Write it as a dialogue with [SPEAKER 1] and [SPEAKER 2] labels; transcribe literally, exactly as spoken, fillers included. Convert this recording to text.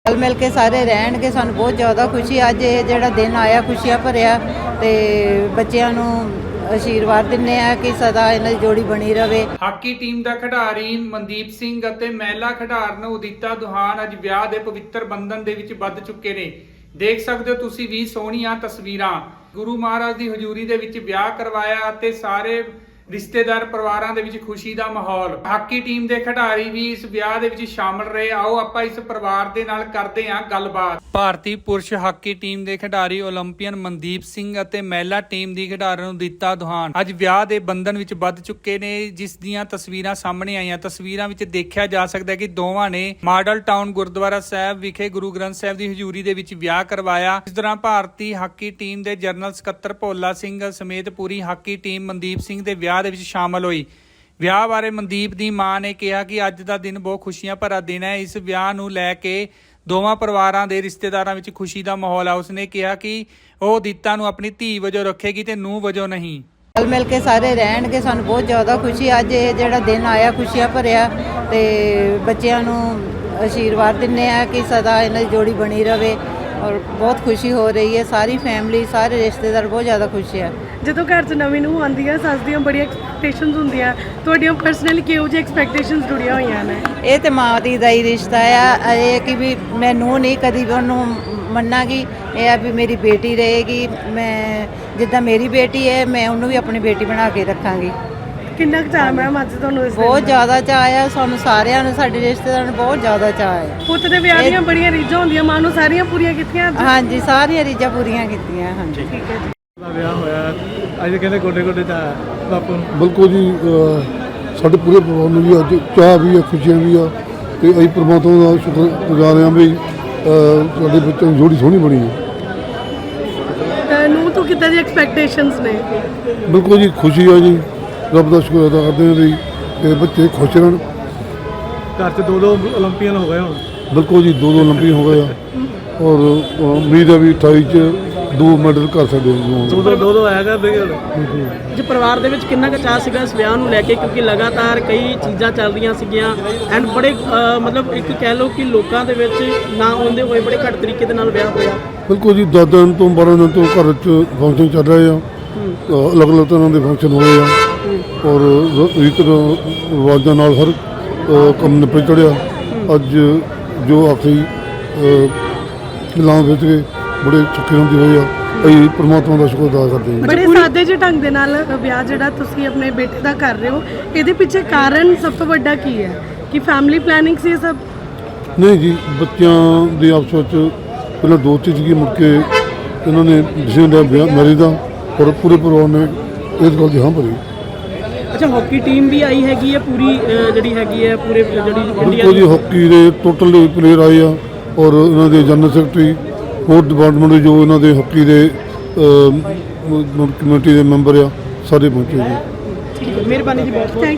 [SPEAKER 1] रल मिल के सारे रहणगे सानूं बहुत ज़्यादा खुशी अज ये जिहड़ा दिन आया खुशियां भरिया ते बच्चियां नूं आशीर्वाद दिंदे आ कि सदा इन्हां दी जोड़ी बनी रहे।
[SPEAKER 2] ਹਾਕੀ ਟੀਮ ਦਾ ਖਿਡਾਰੀ ਮਨਦੀਪ ਸਿੰਘ ਅਤੇ ਮਹਿਲਾ ਖਿਡਾਰਨ ਉਦਿਤਾ ਦੁਹਾਨ ਅੱਜ ਵਿਆਹ ਦੇ ਪਵਿੱਤਰ ਬੰਧਨ ਦੇ ਵਿੱਚ ਬੱਧ ਚੁੱਕੇ ਨੇ। ਦੇਖ ਸਕਦੇ ਹੋ ਤੁਸੀਂ ਵੀ ਸੋਹਣੀਆਂ ਤਸਵੀਰਾਂ। ਗੁਰੂ ਮਹਾਰਾਜ ਦੀ ਹਜ਼ੂਰੀ ਦੇ ਵਿੱਚ ਵਿਆਹ ਕਰਵਾਇਆ ਅਤੇ ਸਾਰੇ ਰਿਸ਼ਤੇਦਾਰ ਪਰਿਵਾਰਾਂ ਦੇ ਵਿੱਚ ਖੁਸ਼ੀ ਦਾ ਮਾਹੌਲ। ਹਾਕੀ ਟੀਮ ਦੇ ਖਿਡਾਰੀ ਵੀ ਇਸ ਵਿਆਹ ਦੇ ਵਿੱਚ ਸ਼ਾਮਲ ਰਹੇ। ਆਓ ਆਪਾਂ ਇਸ ਪਰਿਵਾਰ ਦੇ ਨਾਲ ਕਰਦੇ ਹਾਂ ਗੱਲਬਾਤ। ਭਾਰਤੀ ਪੁਰਸ਼ ਹਾਕੀ ਟੀਮ ਦੇ ਖਿਡਾਰੀ ਓਲੰਪੀਅਨ ਮਨਦੀਪ ਸਿੰਘ ਅਤੇ ਮਹਿਲਾ ਟੀਮ ਦੀ ਖਿਡਾਰਨ ਉਦਿਤਾ ਦੁਹਾਨ ਅੱਜ ਵਿਆਹ ਦੇ ਬੰਧਨ ਵਿੱਚ ਬੱਧ ਚੁੱਕੇ ਨੇ, ਜਿਸ ਦੀਆਂ ਤਸਵੀਰਾਂ ਸਾਹਮਣੇ ਆਈਆਂ। ਤਸਵੀਰਾਂ ਵਿੱਚ ਦੇਖਿਆ ਜਾ ਸਕਦਾ ਹੈ ਕਿ ਦੋਵਾਂ ਨੇ ਮਾਡਲ ਟਾਊਨ ਗੁਰਦੁਆਰਾ ਸਾਹਿਬ ਵਿਖੇ ਗੁਰੂ ਗ੍ਰੰਥ ਸਾਹਿਬ ਦੀ ਹਜ਼ੂਰੀ ਦੇ ਵਿੱਚ ਵਿਆਹ ਕਰਵਾਇਆ। ਇਸ ਦੌਰਾਨ ਭਾਰਤੀ ਹਾਕੀ ਟੀਮ ਦੇ ਜਨਰਲ ਸਕੱਤਰ ਭੋਲਾ ਸਿੰਘ ਸਮੇਤ ਪੂਰੀ ਹਾਕੀ ਟੀਮ ਮਨਦੀਪ ਸਿੰਘ ਦੇ ਵਿਆਹ ਦੇ ਵਿੱਚ ਸ਼ਾਮਲ ਹੋਈ। ਵਿਆਹ ਬਾਰੇ ਮਨਦੀਪ ਦੀ ਮਾਂ ਨੇ ਕਿਹਾ ਕਿ ਅੱਜ ਦਾ ਦਿਨ ਬਹੁਤ ਖੁਸ਼ੀਆਂ ਭਰਾ ਦਿਨ ਹੈ। ਇਸ ਵਿਆਹ ਨੂੰ ਲੈ ਕੇ ਦੋਵਾਂ ਪਰਿਵਾਰਾਂ ਦੇ ਰਿਸ਼ਤੇਦਾਰਾਂ ਵਿੱਚ ਖੁਸ਼ੀ ਦਾ ਮਾਹੌਲ ਹੈ। ਉਸਨੇ ਕਿਹਾ ਕਿ ਉਹ ਉਦਿਤਾ ਨੂੰ ਆਪਣੀ ਧੀ ਵਜੋਂ ਰੱਖੇਗੀ ਤੇ ਨੂੰਹ ਵਜੋਂ ਨਹੀਂ।
[SPEAKER 1] रल मिल के सारे रहणगे सानूं बहुत ज़्यादा खुशी अज ये जिहड़ा दिन आया खुशियां भरिया ते बच्चियां नूं आशीर्वाद दिंदे आ कि सदा इन्हां दी जोड़ी बनी रहे और बहुत खुशी हो रही है। सारी फैमिली सारे रिश्तेदार बहुत ज़्यादा खुश है।
[SPEAKER 3] ਜਦੋਂ ਘਰ 'ਚ ਨਵੀਂ ਨੂੰਹ ਆਉਂਦੀ ਹੈ ਸੱਸ ਦੀਆਂ ਬੜੀਆਂ ਐਕਸਪੈਕਟੇਸ਼ਨਸ ਹੁੰਦੀਆਂ, ਤੁਹਾਡੀਆਂ ਪਰਸਨਲੀ ਕਿਹੋ ਜਿਹੀ ਐਕਸਪੈਕਟੇਸ਼ਨਸ ਜੁੜੀਆਂ ਹੋਈਆਂ ਨੇ?
[SPEAKER 1] ਇਹ ਤੇ ਮਾਂ ਦੀ ਦਾ ਹੀ ਰਿਸ਼ਤਾ ਆ। ਇਹ ਕਿ ਵੀ ਮੈਂ ਨੂੰਹ ਨਹੀਂ ਕਦੀ ਵੀ ਉਹਨੂੰ ਮੰਨਾਂਗੀ। ਇਹ ਆ ਵੀ ਮੇਰੀ ਬੇਟੀ ਰਹੇਗੀ। ਮੈਂ ਜਿੱਦਾਂ ਮੇਰੀ ਬੇਟੀ ਹੈ ਮੈਂ ਉਹਨੂੰ ਵੀ ਆਪਣੀ ਬੇਟੀ ਬਣਾ ਕੇ ਰੱਖਾਂਗੀ।
[SPEAKER 3] ਕਿੰਨਾ ਕੁ ਚਾਅ ਮੈਮ ਅੱਜ ਤੁਹਾਨੂੰ ਇਸ
[SPEAKER 1] ਬਹੁਤ ਜ਼ਿਆਦਾ ਚਾਅ ਆ ਸਾਨੂੰ ਸਾਰਿਆਂ ਨੂੰ, ਸਾਡੇ ਰਿਸ਼ਤੇਦਾਰਾਂ ਨੂੰ ਬਹੁਤ ਜ਼ਿਆਦਾ ਚਾਅ ਹੈ।
[SPEAKER 3] ਪੁੱਤ ਦੇ ਵਿਆਹ ਦੀਆਂ ਬੜੀਆਂ ਰੀਝਾਂ ਹੁੰਦੀਆਂ, ਮਾਂ ਨੂੰ ਸਾਰੀਆਂ ਪੂਰੀਆਂ ਕੀਤੀਆਂ ਅੱਜ?
[SPEAKER 1] ਹਾਂਜੀ ਸਾਰੀਆਂ ਰੀਝਾਂ ਪੂਰੀਆਂ ਕੀਤੀਆਂ। ਹਾਂਜੀ
[SPEAKER 3] ਠੀਕ ਹੈ ਜੀ।
[SPEAKER 4] ਦਾ ਵਿਆਹ ਹੋਇਆ ਅੱਜ ਕਹਿੰਦੇ ਗੋਡੇ ਗੋਡੇ ਦਾ ਬਾਪੂ ਨੂੰ।
[SPEAKER 5] ਬਿਲਕੁਲ ਜੀ, ਅ, ਸਾਡੇ ਪੂਰੇ ਪਰਿਵਾਰ ਨੂੰ ਵੀ ਅੱਜ ਚਾਹ ਵੀ ਆ, ਖੁਸ਼ੀਆਂ ਵੀ ਆ ਤੇ ਅਸੀਂ ਪਰਮਾਤਮਾ ਦਾ ਸ਼ੁਕਰਗੁਜ਼ਾਰ ਹਾਂ ਵੀ ਅ, ਸਾਡੇ ਬੱਚਿਆਂ ਦੀ ਜੋੜੀ ਸੋਹਣੀ ਬਣੀ ਹੈ।
[SPEAKER 3] ਤਾਂ ਨੂੰਹ ਤੋਂ ਕਿੱਦਾਂ ਦੀ ਐਕਸਪੈਕਟੇਸ਼ਨਸ ਨੇ?
[SPEAKER 5] ਬਿਲਕੁਲ ਜੀ ਖੁਸ਼ੀ ਆ ਜੀ, ਰੱਬ ਦਾ ਸ਼ੁਕਰ ਅਦਾ ਕਰਦੇ ਹਾਂ ਵੀ ਇਹ ਬੱਚੇ ਖੁਸ਼ ਰਹਿਣ।
[SPEAKER 4] ਘਰ 'ਚ ਦੋ ਦੋ ਓਲੰਪੀਅਨ ਹੋ ਗਏ ਹੁਣ।
[SPEAKER 5] ਬਿਲਕੁਲ ਜੀ, ਦੋ ਦੋ ਓਲੰਪੀਅਨ ਹੋ ਗਏ ਆ ਔਰ ਅ, ਉਮੀਦ ਹੈ ਵੀ ਅਠਾਈ 'ਚ ਦੋ ਮੈਡਲ ਕਰ ਸਕਦੇ ਹਾਂ।
[SPEAKER 4] ਦੋ ਦੋ ਦੋ ਦੋ ਆਇਆ ਕਰਦੇ ਹੁਣ।
[SPEAKER 6] ਜੀ ਪਰਿਵਾਰ ਦੇ ਵਿੱਚ ਕਿੰਨਾ ਕੁ ਚਾਅ ਸੀਗਾ ਇਸ ਵਿਆਹ ਨੂੰ ਲੈ ਕੇ, ਕਿਉਂਕਿ ਲਗਾਤਾਰ ਕਈ ਚੀਜ਼ਾਂ ਚੱਲ ਰਹੀਆਂ ਸੀਗੀਆਂ ਐਂਡ ਬੜੇ ਅ, ਮਤਲਬ ਇੱਕ ਕਹਿ ਲਓ ਕਿ ਲੋਕਾਂ ਦੇ ਵਿੱਚ ਨਾ ਆਉਂਦੇ ਹੋਏ ਬੜੇ ਘੱਟ ਤਰੀਕੇ ਦੇ ਨਾਲ ਵਿਆਹ ਹੋਇਆ।
[SPEAKER 5] ਬਿਲਕੁਲ ਜੀ, ਦਸ ਦਿਨ ਤੋਂ ਬਾਰਾਂ ਦਿਨ ਤੋਂ ਘਰ 'ਚ ਫੰਕਸ਼ਨ ਚੱਲ ਰਹੇ ਆ। ਅਲੱਗ ਅਲੱਗ ਤਰ੍ਹਾਂ ਦੇ ਫੰਕਸ਼ਨ ਹੋਏ ਆ ਔਰ ਰੀਤ ਰਿਵਾਜ਼ਾਂ ਨਾਲ ਹਰ ਅ, ਕੰਮ ਨਿਪਟ ਚੜਿਆ। ਅੱਜ ਜੋ ਆਖਰੀ ਐਲਾਨ ਵਿੱਚ ਗਏ ਬੜੇ ਸੁੱਖੀ ਹੁੰਦੀ ਹੋਈ ਆ। ਅਸੀਂ ਪਰਮਾਤਮਾ ਦਾ ਸ਼ੁਕਰ ਅਦਾ ਕਰਦੇ ਹਾਂ।
[SPEAKER 3] ਬੜੇ ਸਾਦੇ ਜਿਹੇ ਢੰਗ ਦੇ ਨਾਲ ਵਿਆਹ ਜਿਹੜਾ ਤੁਸੀਂ ਆਪਣੇ ਬੇਟੇ ਦਾ ਕਰ ਰਹੇ ਹੋ, ਇਹਦੇ ਪਿੱਛੇ ਕਾਰਨ ਸਭ ਤੋਂ ਵੱਡਾ ਕੀ ਹੈ? ਕਿ ਫੈਮਿਲੀ ਪਲੈਨਿੰਗ ਸੀ ਇਹ ਸਭ?
[SPEAKER 5] ਨਹੀਂ ਜੀ, ਬੱਚਿਆਂ ਦੇ ਆਪਸ ਵਿੱਚ ਪਹਿਲਾਂ ਦੋਸਤੀ ਸੀਗੀ, ਮੁੜ ਕੇ ਇਹਨਾਂ ਨੇ ਡਿਸੀਜਨ ਲਿਆ ਵਿਆਹ ਮੈਰਿਜ ਦਾ ਔਰ ਪੂਰੇ ਪਰਿਵਾਰ ਨੇ ਇਸ ਗੱਲ ਦੀ ਹਾਂ ਭਰੀ।
[SPEAKER 6] ਅੱਛਾ, ਹਾਕੀ ਟੀਮ ਵੀ ਆਈ ਹੈਗੀ ਹੈ ਪੂਰੀ ਅ, ਜਿਹੜੀ ਹੈਗੀ ਹੈ ਪੂਰੇ ਜਿਹੜੀ ਇੰਡੀਆ
[SPEAKER 5] ਬਿਲਕੁਲ ਜੀ, ਹਾਕੀ ਦੇ ਟੋਟਲ ਪਲੇਅਰ ਆਏ ਆ ਔਰ ਇਹਨਾਂ ਦੇ ਜਨਰਲ ਸੈਕਟਰੀ ਹੋਰ ਡਿਪਾਰਟਮੈਂਟ ਦੇ ਜੋ ਇਹਨਾਂ ਦੇ ਹਾਕੀ ਦੇ ਕਮੇਟੀ ਦੇ ਮੈਂਬਰ ਆ ਸਾਰੇ ਪਹੁੰਚੇ ਜੀ।
[SPEAKER 6] ਮਿਹਰਬਾਨੀ ਜੀ ਬਹੁਤ ਬਹੁਤ।